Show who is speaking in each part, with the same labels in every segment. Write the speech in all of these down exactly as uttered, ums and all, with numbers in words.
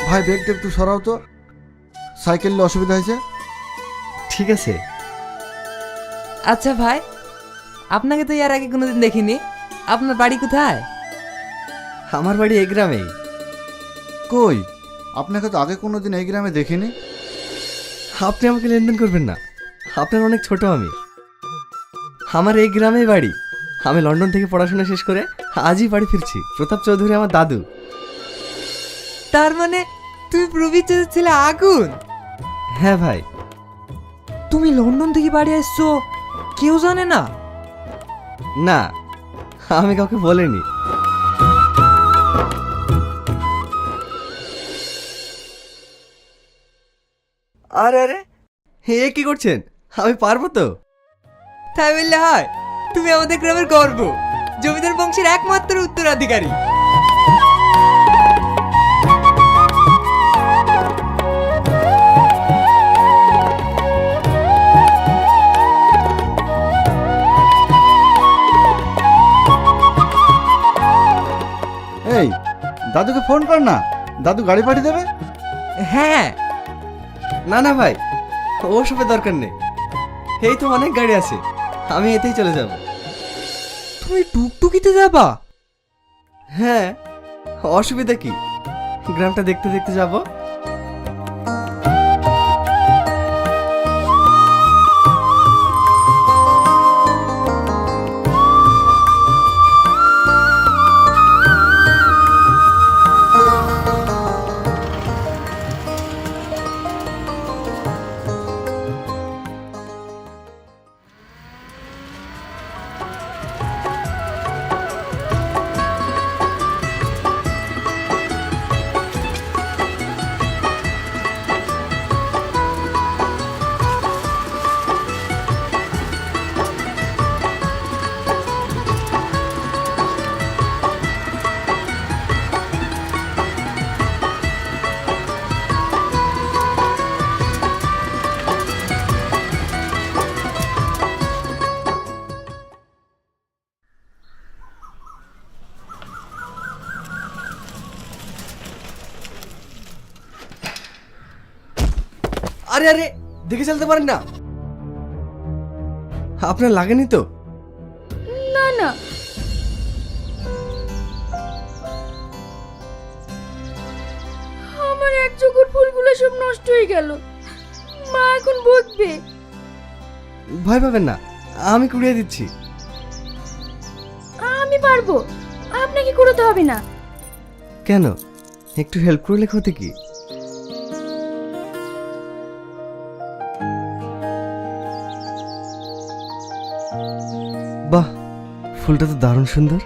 Speaker 1: ভাই ব্যাগটা একটু সরাও তো, সাইকেলে অসুবিধা হয়েছে।
Speaker 2: ঠিক আছে।
Speaker 3: আচ্ছা ভাই, আপনাকে তো এর আগে কোনোদিন দেখিনি, আপনার বাড়ি কোথায়?
Speaker 2: আমার বাড়ি এই গ্রামেই।
Speaker 1: কই, আপনাকে তো আগে কোনোদিন এই গ্রামে দেখিনি।
Speaker 2: আপনি আমাকে লেনদেন করবেন না, আপনার অনেক ছোট আমি। আমার এই গ্রামেই বাড়ি। আমি লন্ডন থেকে পড়াশোনা শেষ করে আজই বাড়ি ফিরছি। প্রতাপ চৌধুরী আমার দাদু।
Speaker 3: তার মানে তুমি প্রবীর চাচার ছেলে আগুন?
Speaker 2: হ্যাঁ ভাই।
Speaker 3: তুমি লন্ডন থেকে বাড়ি আসছো, কেউ জানে না?
Speaker 2: না, আমি কাউকে বলিনি। আরে আরে, এ কি করছেন? আমি পারবো তো।
Speaker 3: তাই বললে হয়? তুমি আমাদের গ্রামের গর্ব, জমিদার বংশের একমাত্র উত্তরাধিকারী।
Speaker 1: এই দাদুকে ফোন কর না, দাদু গাড়ি পাঠিয়ে দেবে।
Speaker 3: হ্যাঁ।
Speaker 2: না না ভাই, ওসবের দরকার নেই। এই তো অনেক গাড়ি আছে, আমি এতেই চলে যাব।
Speaker 3: তুমি টুকটুকিতে যাবা?
Speaker 2: হ্যাঁ, অসুবিধা কি, গ্রামটা দেখতে দেখতে যাব। আরে আরে, দেখে চলতে পারেন না? আপনার লাগেনি তো?
Speaker 4: না না, আমার এক চোখের ফুলগুলো সব নষ্ট হয়ে গেল, মা এখন বকবে।
Speaker 2: ভয় পাবেন না, আমি কুড়িয়ে দিচ্ছি।
Speaker 4: আমি পারবো, আপনাকে করতে হবে না।
Speaker 2: কেন, একটু হেল্প করলে ক্ষতি কি? বাহ, ফুলটা তো দারুণ সুন্দর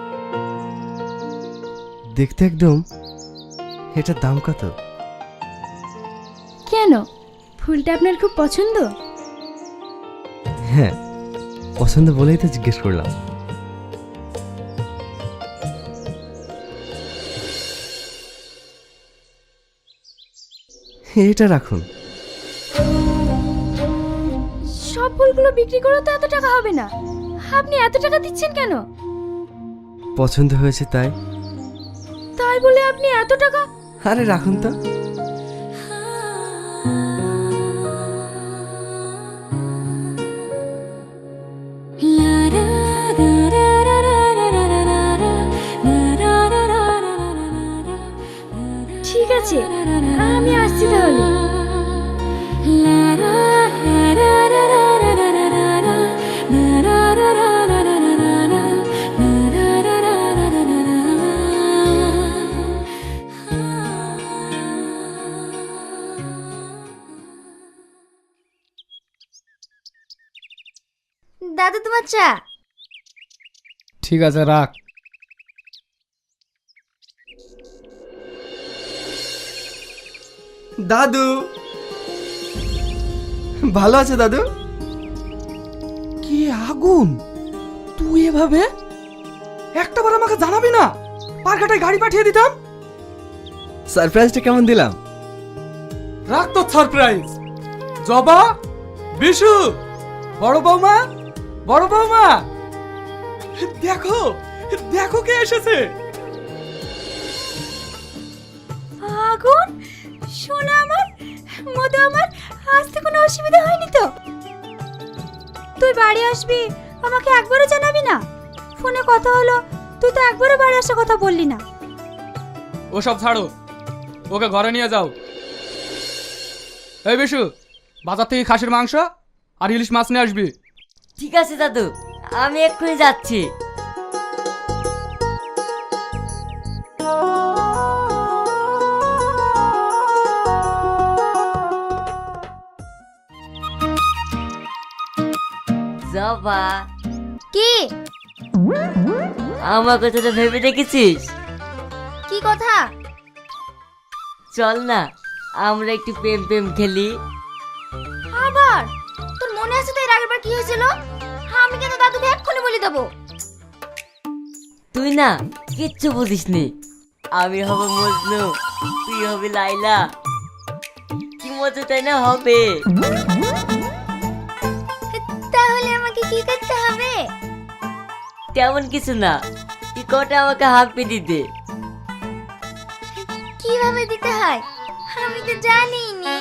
Speaker 2: দেখতে একদম। এটার দাম কত?
Speaker 4: কেন, ফুলটা আপনার খুব পছন্দ?
Speaker 2: হ্যাঁ, পছন্দ বলেই তো জিজ্ঞেস করলাম। এটা রাখুন।
Speaker 4: সব ফুলগুলো বিক্রি করে তো এত টাকা হবে না, আপনি এত টাকা দিচ্ছেন কেন?
Speaker 2: পছন্দ হয়েছে তাই।
Speaker 4: তাই বলে আপনি এত টাকা?
Speaker 2: আরে রাখুন তো।
Speaker 4: ঠিক আছে, আমি আসছি তাহলে। দাদু, তোমার চা।
Speaker 5: ঠিক আছে, রাখ।
Speaker 2: দাদু ভালো আছে? দাদু
Speaker 3: কি আগুন, তুই এভাবে একটাবার আমাকে জানাবি না? পারঘাটায় গাড়ি পাঠিয়ে দিতাম।
Speaker 2: সারপ্রাইজটা কেমন দিলাম?
Speaker 5: রাখ তো সারপ্রাইজ। জবা, বিশু, বড় বৌমা, বড় বৌমা, দেখো দেখো কে এসেছে।
Speaker 4: আগুন, সোনা আমার, মধু আমার, আসতে কোনো অসুবিধা হয়নি তো? তুই বাড়ি আসবি আমাকে একবারও জানাবি না? ফোনে কথা হলো, তুই তো একবারও বাড়ি আসার কথা বললি না।
Speaker 5: ওসব ছাড়ো, ওকে ঘরে নিয়ে যাও। এই বিশু, বাজার থেকে খাসির মাংস আর ইলিশ মাছ নিয়ে আসবি।
Speaker 6: ঠিক আছে দাদু, আমি এক্ষুনি যাচ্ছি। জবা,
Speaker 4: কি
Speaker 6: আমার কথাটা ভেবে দেখেছিস?
Speaker 4: কি কথা?
Speaker 6: চল না, আমরা একটু প্রেম প্রেম খেলি।
Speaker 4: আবার তোর মনে আছে তো এর আগের বার কি হয়েছিল? আমি কিন্তু দাদুকে এক্ষুনি বলে দেবো।
Speaker 6: তুই না কিচ্ছু বুঝিসনি। আমি হব মজনু, তুই হবি লাইলা। কি মজা তাই না হবে?
Speaker 4: তাহলে আমাকে কি করতে হবে?
Speaker 6: তেমন কিছু না, তুই কটা আমাকে হাঁপি দিতে।
Speaker 4: কিভাবে দিতে হয় আমি তো জানি নি।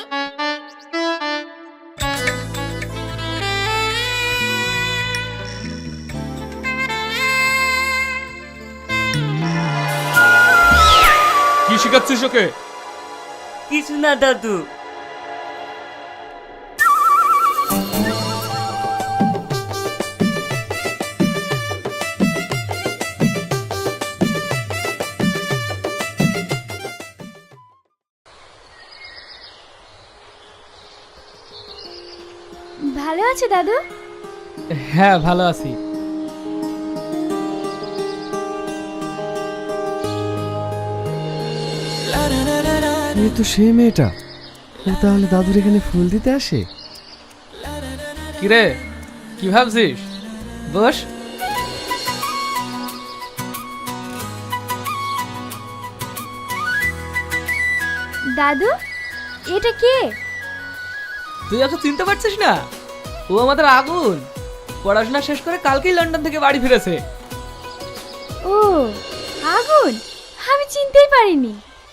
Speaker 5: কি শিখাচ্ছিস ওকে?
Speaker 6: কিছু না দাদু।
Speaker 4: ভালো আছে দাদু?
Speaker 5: হ্যাঁ, ভালো আছি।
Speaker 2: এই তো সেই মেয়েটা, ও তাহলে দাদুর এখানে ফুল দিতে আসে?
Speaker 5: কিরে, কি ভাবছিস? বস।
Speaker 4: দাদু, এটা কে?
Speaker 3: তুই ওকে চিনতে পারছিস না? ও আমাদের আগুন, পড়াশোনা শেষ করে কালকেই লন্ডন থেকে বাড়ি ফিরেছে।
Speaker 4: ও আগুন, আমি চিনতেই পারিনি।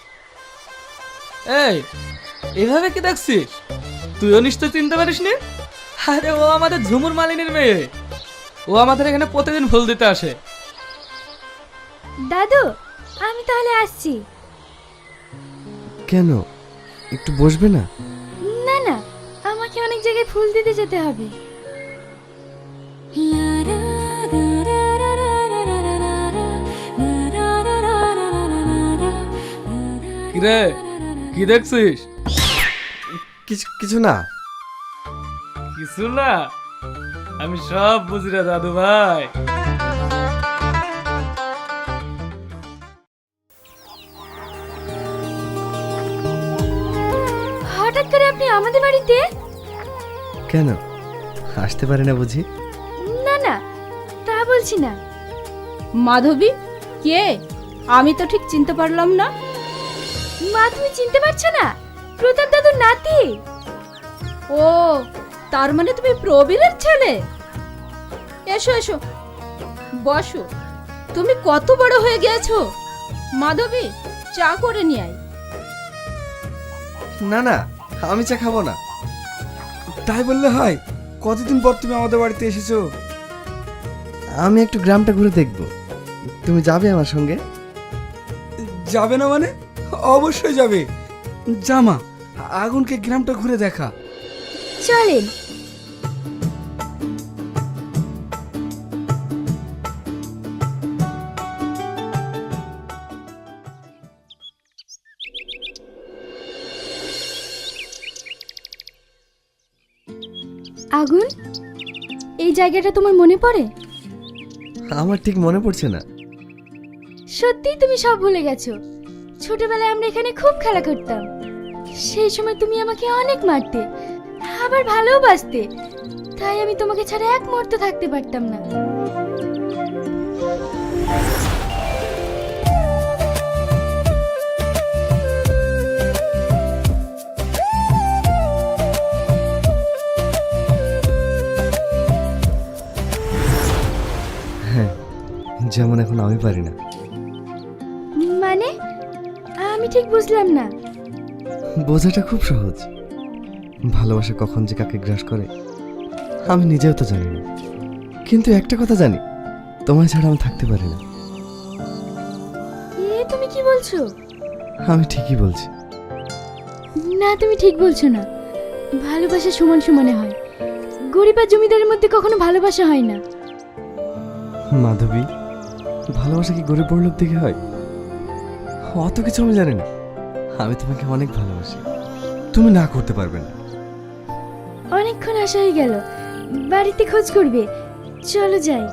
Speaker 3: এই, এভাবে কি দেখছিস? তুইও নিশ্চয় চিনতে পারিস নি? আরে ও আমাদের ঝুমুর মালিনীর মেয়ে। ও আমাদের এখানে প্রতিদিন ফুল দিতে আসে।
Speaker 4: দাদু, আমি তাহলে আসছি।
Speaker 2: কেন, একটু বসবে না?
Speaker 4: না না, আমাকে অনেক জায়গায় ফুল দিতে যেতে হবে।
Speaker 5: কিরে, কি দেখছিস?
Speaker 2: কিছু কিছু না।
Speaker 5: কিছু না? আমি সব বুঝি রে দাদু ভাই।
Speaker 4: হঠাৎ করে আপনি আমাদের বাড়িতে?
Speaker 2: কেন, আসতে পারে না বুঝি?
Speaker 4: না না, তা বলছি না।
Speaker 7: মাধবী কে? আমি তো ঠিক চিনতে পারলাম না।
Speaker 4: মা, তুমি চিনতে পারছো না? প্রতাপ দাদুর নাতি।
Speaker 7: ও, তার মানে তুমি প্রবীরের ছেলে? এসো এসো, বসো। তুমি কত বড় হয়ে গেছো। মাধবী, চা করে নিয়ে আয়।
Speaker 2: না না, আমি চা খাবো না।
Speaker 1: তাই বললে হয়? কতদিন পর তুমি আমাদের বাড়িতে এসেছো?
Speaker 2: আমি একটু গ্রামটা ঘুরে দেখব। তুমি যাবে আমার সঙ্গে?
Speaker 1: যাবে না মানে? অবশ্যই যাবে। জামা, আগুনকে গ্রামটা ঘুরে দেখা।
Speaker 4: চলেন। আগুন, এই জায়গাটা তোমার মনে পড়ে?
Speaker 2: আমার ঠিক মনে পড়ছে না।
Speaker 4: সত্যিই তুমি সব ভুলে গেছো? ছোটবেলায় আমরা এখানে খুব খেলা করতাম। সেই সময় তুমি আমাকে অনেক মারতে, আবার ভালোবাসতে। তাই আমি তোমাকে ছাড়া এক মুহূর্ত থাকতে পারতাম না।
Speaker 2: হ্যাঁ, যেমন এখন আমি পারি না।
Speaker 4: মানে? আমি ঠিক বুঝলাম না।
Speaker 2: বোঝাটা খুব সহজ, ভালোবাসা কখন যে কাকে গ্রাস করে আমি নিজেও তো জানি না, কিন্তু একটা কথা জানি, তোমায় ছাড়া আমি থাকতে পারি না।
Speaker 4: এ তুমি কি বলছো?
Speaker 2: আমি ঠিকই বলছি।
Speaker 4: না, তুমি ঠিক বলছো না। ভালোবাসা সমান সমানে হয়, গরিব আর জমিদারের মধ্যে কখনো ভালোবাসা হয় না।
Speaker 2: মাধবী, ভালোবাসা কি গরিব বড়লোক দেখে হয়? অত কিছু আমি জানি না। আমি তোমাকে অনেক ভালোবাসি, তুমি না করতে পারবে না।
Speaker 4: অনেকক্ষণ আসা হয়ে গেল, বাড়িতে খোঁজ করবে। চলো যাই।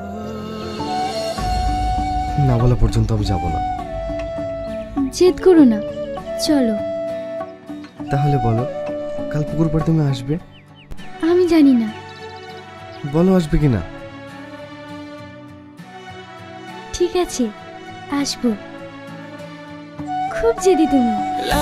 Speaker 2: না বলা পর্যন্ত আমি যাব না।
Speaker 4: জেদ করো না, চলো।
Speaker 2: তাহলে বলো, কাল পুকুর পাড়ে তুমি আসবে?
Speaker 4: আমি জানি না।
Speaker 2: বলো আসবে কিনা।
Speaker 4: ঠিক আছে, আসবো। খুব জেদি তুমি।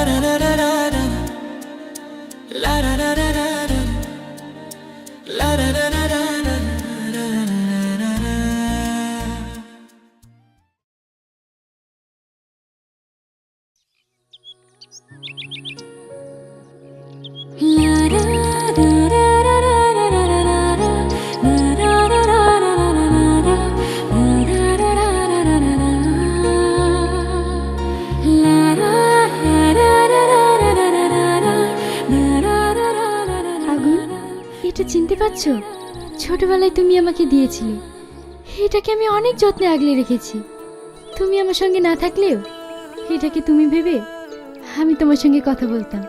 Speaker 4: আগুন, এটা চিনতে পারছো? ছোটবেলায় তুমি আমাকে দিয়েছিলে। এটাকে আমি অনেক যত্নে আগলে রেখেছি। তুমি আমার সঙ্গে না থাকলেও এটাকে তুমি ভেবে আমি তোমার সঙ্গে কথা বলতাম।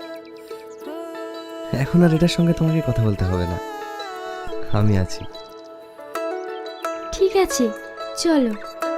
Speaker 2: এখন আর এটার সঙ্গে তোমাকে কথা বলতে হবে না, আমি আছি।
Speaker 4: ঠিক আছে, চলো।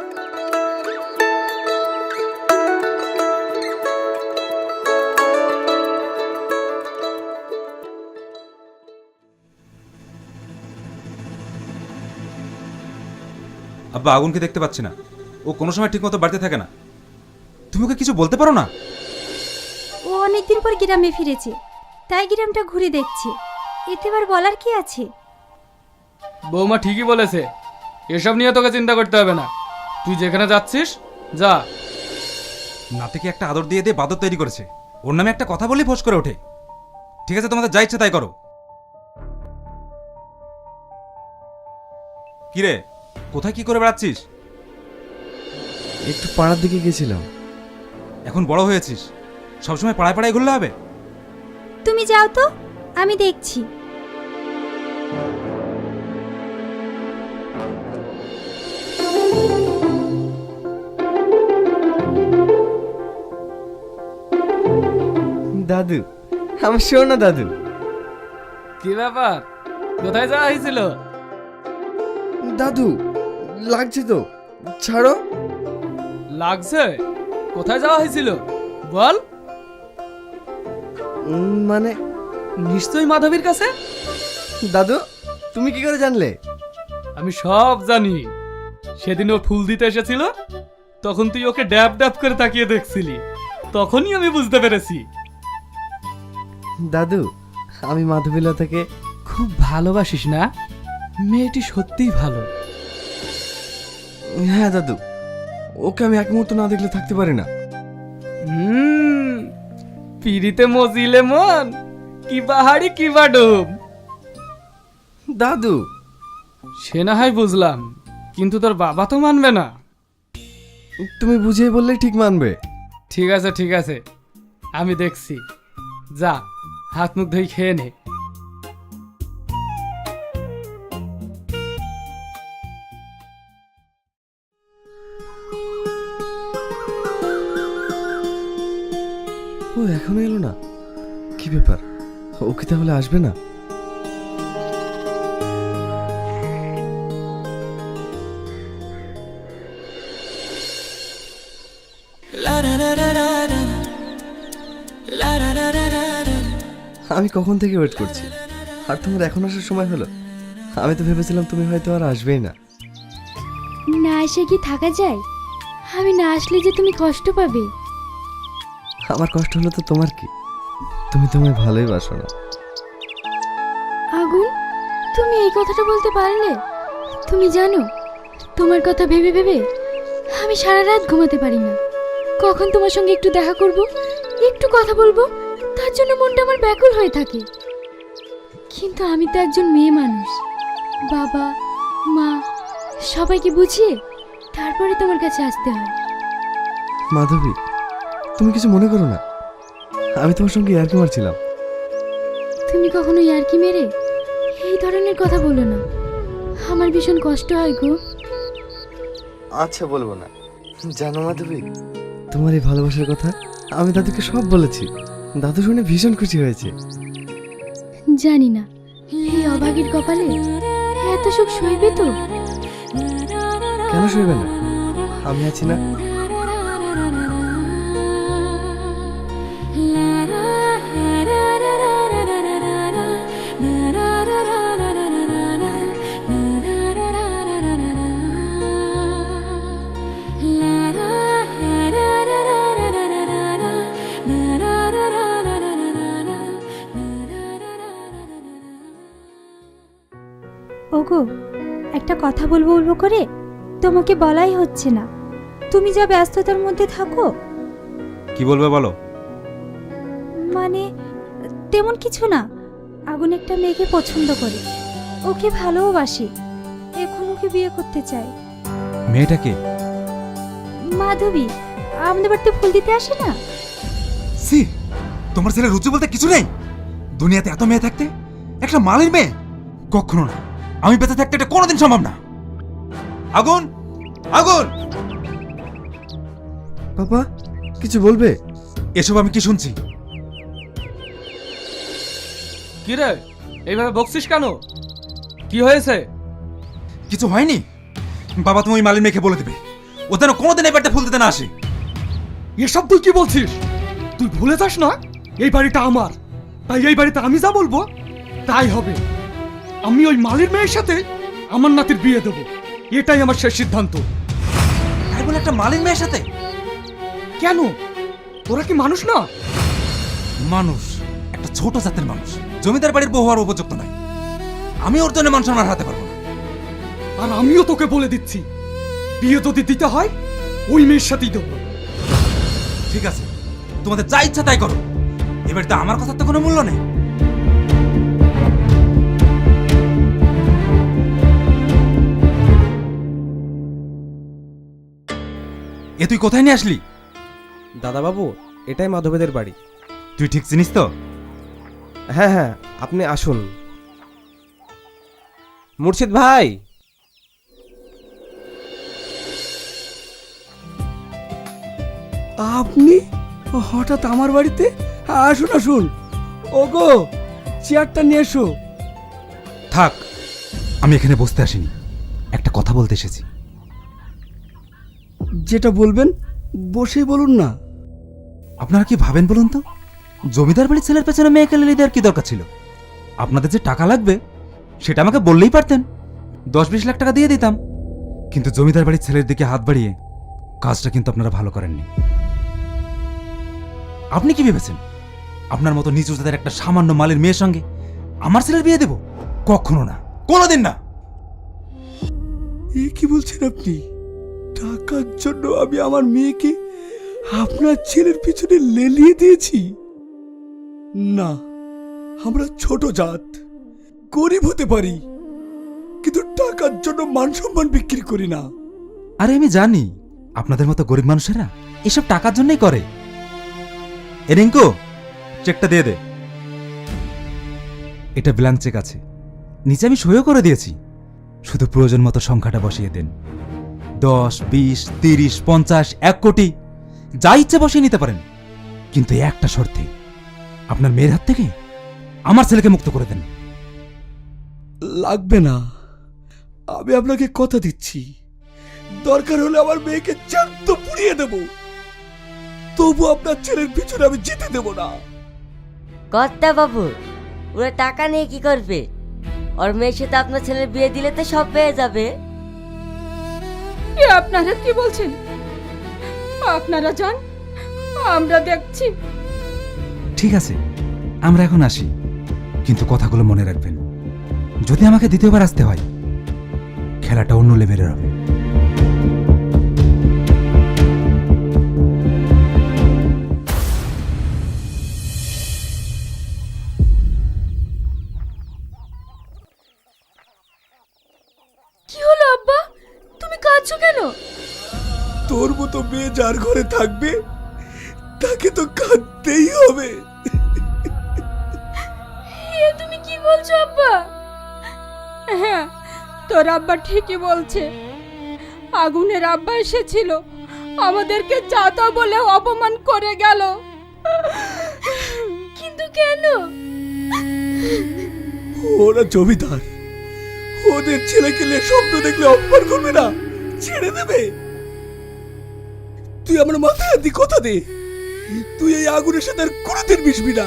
Speaker 8: আব্বা আগুনকে দেখতে পাচ্ছি না, ও কোনো সময় ঠিকমতো বাড়িতে থাকে না। তুমি ওকে কিছু বলতে পারো না?
Speaker 9: ও অনেকদিন পর গ্রামে ফিরেছে, তাই গ্রামটা ঘুরে দেখছে, এতে আবার বলার কি আছে?
Speaker 3: বৌমা ঠিকই বলেছে, এসব নিয়ে তোকে চিন্তা করতে হবে না। তুই যেখানে যাচ্ছিস যা।
Speaker 8: নাতিকে একটা আদর দিয়ে দিয়ে বাদর তৈরি করেছে, ওর নামে একটা কথা বলেই ফোঁস করে ওঠে। ঠিক আছে, তোমাদের যা ইচ্ছে তাই করো। কিরে, কোথায় কি করে বেড়াচ্ছিস?
Speaker 2: একটু পাড়ার দিকে গেছিলাম।
Speaker 8: এখন বড় হয়েছিস, সবসময় পাড়ায় পাড়ায় ঘুরলে হবে?
Speaker 9: তুমি যাও তো, আমি দেখছি।
Speaker 2: দাদু, আমার শোনো দাদু।
Speaker 3: কি ব্যাপার, কোথায় যাওয়া হয়েছিল?
Speaker 2: দাদু, লাগছে তো, ছাড়ো।
Speaker 3: লাগছে? কোথায় যাওয়া হয়েছিল বল।
Speaker 2: উম, মানে
Speaker 3: নিশ্চয়ই মাধবীর কাছে।
Speaker 2: দাদু, তুমি কি করে জানলে?
Speaker 3: আমি সব জানি। সেদিন ও ফুল দিতে এসেছিল, তখন তুই ওকে ড্যাব ড্যাব করে তাকিয়ে দেখছিলি, তখনই আমি বুঝতে পেরেছি।
Speaker 2: দাদু, আমি মাধবীলতাকে
Speaker 3: খুব ভালোবাসিস না? মেয়েটি সত্যিই ভালো।
Speaker 2: হ্যাঁ দাদু, ওকে আমি এক মুহূর্ত না দেখলে থাকতে পারি না।
Speaker 3: হুম, পিড়িতে মজিলে মন, কি বাহারি কি বাডুম।
Speaker 2: দাদু,
Speaker 3: সে না হয় বুঝলাম, কিন্তু তোর বাবা তো মানবে না।
Speaker 2: তুমি বুঝিয়ে বললেই ঠিক মানবে।
Speaker 3: ঠিক আছে ঠিক আছে, আমি দেখছি। যা, হাত মুখ ধুই খেয়ে নে।
Speaker 2: ও এখনো এলো না, কি ব্যাপার? ও কি তাহলে আসবে না? আমি কখন থেকে ওয়েট করছি, আর তোমার এখন আসার সময় হলো? আমি তো ভেবেছিলাম তুমি হয়তো আর আসবেই না।
Speaker 4: না এসে কি থাকা যায়? আমি না আসলে যে তুমি কষ্ট পাবে।
Speaker 2: আমার কষ্ট হলো তো তোমার কি? তুমি তোমায় ভালোই বাসো না।
Speaker 4: আগুন, তুমি এই কথাটা বলতে পারলে? তুমি জানো, তোমার কথা ভেবে ভেবে আমি সারা রাত ঘুমাতে পারি না। কখন তোমার সঙ্গে একটু দেখা করব, একটু কথা বলবো, তার জন্য মনটা আমার ব্যাকুল হয়ে থাকে। কিন্তু আমি তো একজন মেয়ে মানুষ, বাবা মা সবাইকে বুঝিয়ে তারপরে তোমার কাছে আসতে হয়।
Speaker 2: মাধবী, তুমি কিছু মনে করো না, আমি তোমার সঙ্গে ইয়ার্কি মারছিলাম।
Speaker 4: তুমি কখনো ইয়ার্কি মেরে এই ধরনের কথা বলো না, আমার ভীষণ কষ্ট হয় গো।
Speaker 2: আচ্ছা বলবো না। জানো মাধবী, তোমার এই ভালোবাসার কথা আমি দাদুকে সব বলেছি। দাদু শুনে ভীষণ খুশি হয়েছে।
Speaker 4: জানি না এই অভাগীর কপালে এত সুখ সইবে তো।
Speaker 2: কেন শুইবে না? আমি আছি না?
Speaker 9: ওগো, একটা কথা বলবো বলবো করে তোমাকে বলাই হচ্ছে না। তুমি যা ব্যস্ততার মধ্যে থাকো।
Speaker 8: কি বলবে বলো।
Speaker 9: মানে তেমন কিছু না, আগুন একটা মেয়েকে পছন্দ করে, ওকে ভালোবাসি, এখন ওকে বিয়ে করতে চাই।
Speaker 8: মেয়েটাকে?
Speaker 9: মাধবী, আমাদের বাড়িতে ফুল দিতে আসে না?
Speaker 8: সি, তোমার ছেলে রুচি বলতে কিছু নেই। দুনিয়াতে এত মেয়ে থাকতে একটা মালির মেয়ে? কখনো না, আমি বেঁচে থাকতে এটা কোনোদিন সম্ভব না। আগুন, আগুন!
Speaker 2: পাপা, কিছু বলবে?
Speaker 8: এসব আমি কি শুনছি?
Speaker 3: কি রে, এইভাবে বকছিস কেন? কি হয়েছে?
Speaker 8: কিছু হয়নি বাবা, তুমি ওই মালির মেয়েকে বলে দেবে ও যেন কোনোদিন এই বাড়িতে ফুল দিতে না আসে।
Speaker 1: এসব তুই কি বলছিস? তুই ভুলে যাস না এই বাড়িটা আমার, তাই এই বাড়িতে আমি যা বলবো তাই হবে। আমি ওই মালির মেয়ের সাথে আমার নাতির বিয়ে দেবো, এটাই আমার শেষ সিদ্ধান্ত।
Speaker 8: তাই বলে একটা মালির মেয়ের সাথে?
Speaker 1: কেন, ওরা কি মানুষ না?
Speaker 8: মানুষ, একটা ছোট জাতের মানুষ, জমিদার বাড়ির বউ হওয়ার উপযুক্ত নয়। আমি ওর জন্য মান সম্মান হারাতে পারবো না।
Speaker 1: আর আমিও তোকে বলে দিচ্ছি, বিয়ে যদি দিতে হয় ওই মেয়ের সাথেই দেবো।
Speaker 8: ঠিক আছে, তোমাদের যা ইচ্ছা তাই করো, এবার তো আমার কথার তো কোনো মূল্য নেই। এ তুই কোথায় নিয়ে আসলি?
Speaker 10: দাদা বাবু, এটাই মাধবেদের বাড়ি।
Speaker 8: তুই ঠিক চিনিস তো?
Speaker 10: হ্যাঁ হ্যাঁ, আপনি আসুন। মুর্শিদ ভাই,
Speaker 1: আপনি হঠাৎ আমার বাড়িতে? আসুন আসুন। ওগো, চেয়ারটা নিয়ে এসো।
Speaker 8: থাক, আমি এখানে বসতে আসিনি, একটা কথা বলতে এসেছি।
Speaker 1: যেটা বলবেন বসেই বলুন না।
Speaker 8: আপনারা কি ভাবেন বলুন তো? জমিদার বাড়ির ছেলের পেছনে মেয়েকে লেলিয়ে দেওয়ার কি দরকার ছিল? আপনাদের যে টাকা লাগবে সেটা আমাকে বললেই পারতেন, দশ বিশ লাখ টাকা দিয়ে দিতাম। কিন্তু জমিদার বাড়ির ছেলের দিকে হাত বাড়িয়ে কাজটা কিন্তু আপনারা ভালো করেননি। আপনি কি ভেবেছেন আপনার মতো নিচু জাতের একটা সামান্য মালের মেয়ের সঙ্গে আমার ছেলের বিয়ে দেব? কখনো না, কোনোদিন না।
Speaker 1: এ কি বলছেন আপনি? টাকার জন্য আমি আমার মেয়েকে আপনার ছেলের পিছনে লেলিয়ে দিয়েছি? না, আমরা ছোট জাত, গরিব হতে পারি, কিন্তু টাকার জন্য মান সম্মান বিক্রি করি না।
Speaker 8: আরে আমি জানি আপনাদের মতো গরিব মানুষেরা এসব টাকার জন্যই করে। এ রিঙ্কু, চেকটা দিয়ে দে। এটা ব্ল্যাঙ্ক চেক আছে, নিচে আমি সইও করে দিয়েছি, শুধু প্রয়োজন মতো সংখ্যাটা বসিয়ে দেন। দশ, বিশ, তিরিশ, পঞ্চাশ, এক কোটি যা ইচ্ছে বসিয়ে নিতে পারেন, কিন্তু একটা শর্তে, আপনার মেয়ের হাত থেকে আমার ছেলেকে মুক্ত করে দেন।
Speaker 1: লাগবে না, আমি আপনাকে কথা দিচ্ছি, দরকার হলে আমার মেয়েকে জ্যান্ত পুড়িয়ে দেব, তবু আপনার ছেলের পিছনে আমি যেতে দেব না।
Speaker 6: কর্তা বাবু, ওরা টাকা নিয়ে কি করবে? ওর মেয়ের সাথে আপনার ছেলের বিয়ে দিলে তো সব পেয়ে যাবে।
Speaker 7: এ আপনারা কি বলছেন? আপনারা যান, আমরা দেখছি।
Speaker 8: ঠিক আছে, আমরা এখন আসি, কিন্তু কথাগুলো মনে রাখবেন, যদি আমাকে দ্বিতীয়বার আসতে হয় খেলাটা অন্য লেভেলের হবে।
Speaker 4: করছো কেন?
Speaker 1: তোর মতো মেয়ে যার ঘরে থাকবে তাকে তো কাঁদতেই হবে।
Speaker 4: এ তুমি কি বলছো আব্বা?
Speaker 7: হ্যাঁ, তোর আব্বা ঠিকই বলছে। আগুনের আব্বা এসেছিল, আমাদেরকে যা তা বলে অপমান করে গেল।
Speaker 4: কিন্তু কেন?
Speaker 1: ওরা জমিদার, ওদের ছেলেকে নিয়ে স্বপ্ন দেখলে অপমান করবে না, ছেড়ে দেবে। তুই আমার মাথায় হাত দিয়ে কথা দে, তুই এই আগুনের সাথে আর কোনোদিন মিশবি না।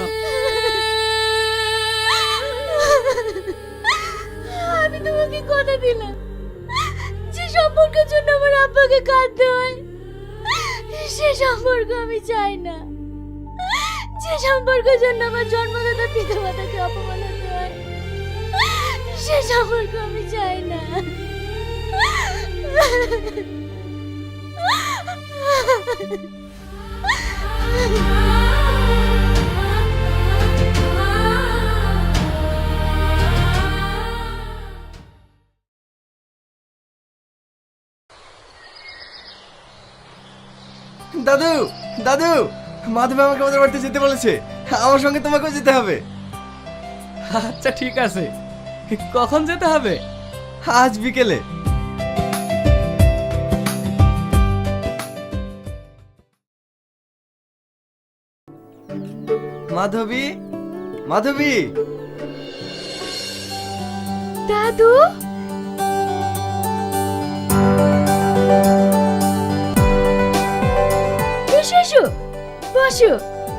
Speaker 4: আমি তোমাকে কথা দিলাম, যে সম্পর্কের জন্য আমার আব্বাকে কাঁদতে হয় সে সম্পর্ক আমি চাই না। যে সম্পর্কের জন্য আমার জন্মদাতা পিতা মাতাকে অপমান হতে হয় সে সম্পর্ক আমি চাই না।
Speaker 2: দাদু, দাদু, মাধবী আমাকে আমাদের বাড়িতে যেতে বলেছে। আমার সঙ্গে তোমাকেও যেতে হবে।
Speaker 3: আচ্ছা ঠিক আছে, কখন যেতে হবে?
Speaker 2: আজ বিকেলে। মাধবী, মাধবী।
Speaker 4: দাদু, এসো এসো, বসো।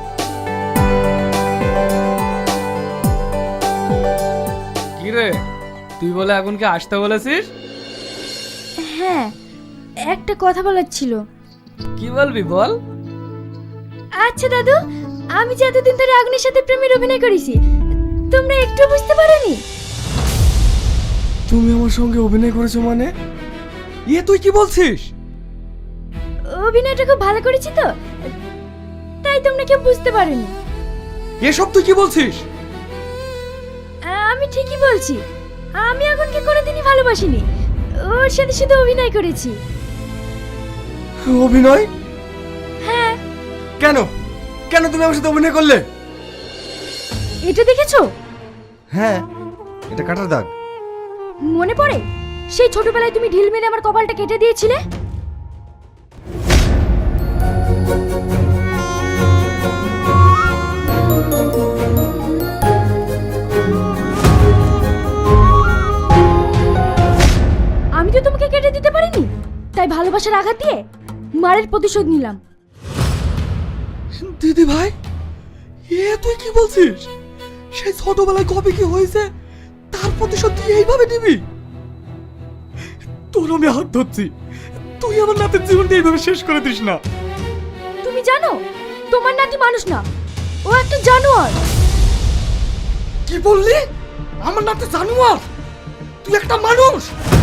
Speaker 3: কি রে, তুই বলে আগুনকে আসতে বলেছিস?
Speaker 4: হ্যাঁ, একটা কথা বলার ছিল।
Speaker 3: কি বলবি বল।
Speaker 4: আচ্ছা দাদু, আমি যে এতদিন ধরে আগুনের সাথে প্রেমের অভিনয় করেছি, তোমরা একটু বুঝতে পারোনি?
Speaker 2: তুমি আমার সঙ্গে অভিনয় করেছো মানে?
Speaker 3: ইয়ে তুই কি বলছিস?
Speaker 4: অভিনয়টা খুব ভালো করেছি তো, তাই তোমরা কেউ বুঝতে পারোনি।
Speaker 3: এসব তুই কি বলছিস?
Speaker 4: আমি ঠিকই বলছি, আমি আগুনকে কোনোদিনই ভালোবাসিনি, ওর সাথে শুধু অভিনয় করেছি।
Speaker 2: অভিনয়?
Speaker 4: হ্যাঁ।
Speaker 2: কেন, কেন তুমি আমার সাথে অভিনয় করলে?
Speaker 4: এটা দেখেছো?
Speaker 2: হ্যাঁ, এটা কাটার দাগ।
Speaker 4: মনে পড়ে সেই ছোটবেলায় তুমি ঢিল মেরে আমার কপালটা কেটে দিয়েছিলে? আমি তো তোমাকে কেটে দিতে পারিনি, তাই ভালোবাসার আঘাত দিয়ে মারের প্রতিশোধ নিলাম।
Speaker 1: দিদি ভাই, এ তুই কি বলছিস? সেই ছোটবেলায় কবে কি হয়েছে তার প্রতিশোধ তুই এইভাবে নিবি? তোর আমি হাত ধরছি, তুই আমার নাতের জীবনটা এইভাবে শেষ করে দিস না।
Speaker 4: তুমি জানো তোমার নাতি মানুষ না, ও একটা জানোয়ার।
Speaker 1: কি বললি? আমার নাতে জানোয়ার? তুই একটা মানুষ?